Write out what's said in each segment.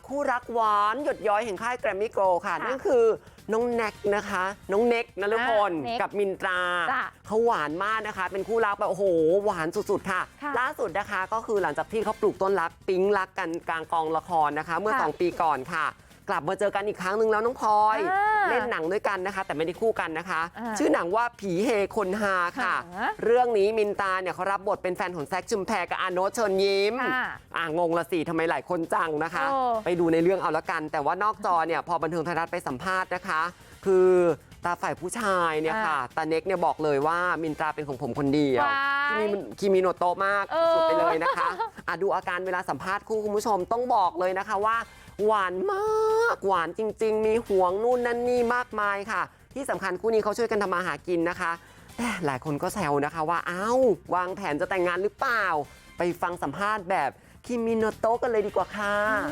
คู่รักหวานหยดย้อยแห่งค่ายแกรมมี่โกลด์ค่ะนั่นคือน้องแน็กนะคะน้องเน็กนฤพลกับมินตราเขาหวานมากนะคะเป็นคู่รักแบบโอ้โหหวานสุดๆค่ะล่าสุดนะคะก็คือหลังจากที่เขาปลูกต้นรักปิ๊งรักกันกลางกองละครนะคะเมื่อ2 ปีก่อนค่ะกลับมาเจอกันอีกครั้งหนึ่งแล้วน้องพลอยเล่นหนังด้วยกันนะคะแต่ไม่ได้คู่กันนะคะชื่อหนังว่าผีเฮคนฮาค่ะเรื่องนี้มินตาเนี่ยเขารับบทเป็นแฟนของแซคชุมแพรกับอาโนตเชิญยิ้มงงละสิทำไมหลายคนจังนะคะไปดูในเรื่องเอาละกันแต่ว่านอกจอเนี่ยพอบันเทิงไทยรัฐไปสัมภาษณ์นะคะคือตาฝ่ายผู้ชายเนี่ยค่ะตาเน็กเนี่ยบอกเลยว่ามินตราเป็นของผมคนเดียวคิมิโนโตะมากสุดไปเลยนะคะดูอาการเวลาสัมภาษณ์คู่คุณผู้ชมต้องบอกเลยนะคะว่าหวานมากหวานจริงๆมีห่วงนู่นนั่นนี่มากมายค่ะที่สำคัญคู่นี้เขาช่วยกันทำมาหากินนะคะแต่หลายคนก็แซวนะคะว่าอ้าววางแผนจะแต่งงานหรือเปล่าไปฟังสัมภาษณ์แบบคิมิโนโตะกันเลยดีกว่าค่ะ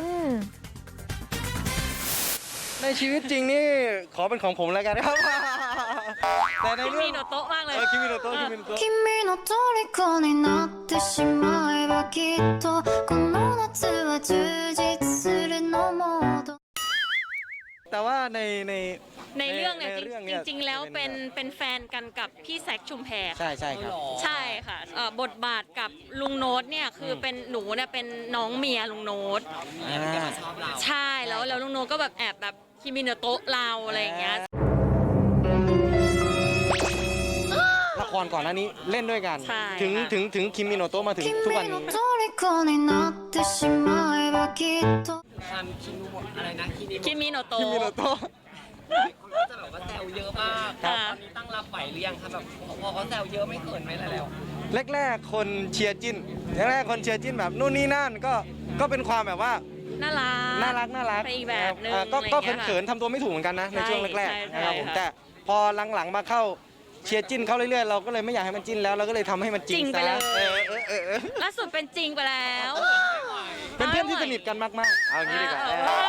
ในชีวิตจริงนี่ขอเป็นของผมแล้วกันครับแต่ในเรื่องคิมิโนโตะมากเลยคิมิโนโตะ君の虜になってしまえばきっとこの夏は充実するのもแต่ว่าในเรื่องเนี่ยจริงๆแล้วเป็นแฟนกันกับพี่แซคชุมแพรใช่ครับใช่ค่ะบทบาทกับลุงโน้ตเนี่ยคือเป็นหนูเนี่ยเป็นน้องเมียลุงโน้ตใช่แล้วลุงโน้ตก็แบบแอบแบบคิมิโนโตะเราอะไรอย่างเงี้ยละครก่อนหน้านี้เล่นด้วยกันถึงคิมิโนโตะมาถึงทุกวันนี้คิมิโนโตะจะแบบว่าแซวเยอะมากตอนนี้ตั้งรับไหวหรือยังคะแบบพอเขาแซวเยอะไม่เขินไหมแล้วแรกๆคนเชียร์จิ้นแบบนู่นนี่นั่นก็เป็นความแบบว่าน่ารักไปอีกแบบนึงก็เขินๆทำตัวไม่ถูกเหมือนกันนะในช่วงแรกๆนะครับผมแต่พอหลังๆมาเข้าเชียร์จิ้นเข้าเรื่อยๆเราก็เลยไม่อยากให้มันจิ้นแล้วเราก็เลยทำให้มันจริงไปเลยล่าสุดเป็นจริงไปแล้วเป็นเพื่อนที่สนิทกันมากๆเอางี้ดีกว่า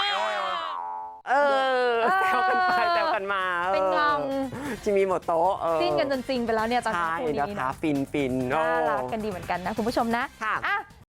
แซวกันไปแซวกันมาเป็นงงจิมิโมโตะจิ้นกันจนจริงไปแล้วเนี่ยตอนนี้ใช่นะคะฟินน่ารักกันดีเหมือนกันนะคุณผู้ชมนะ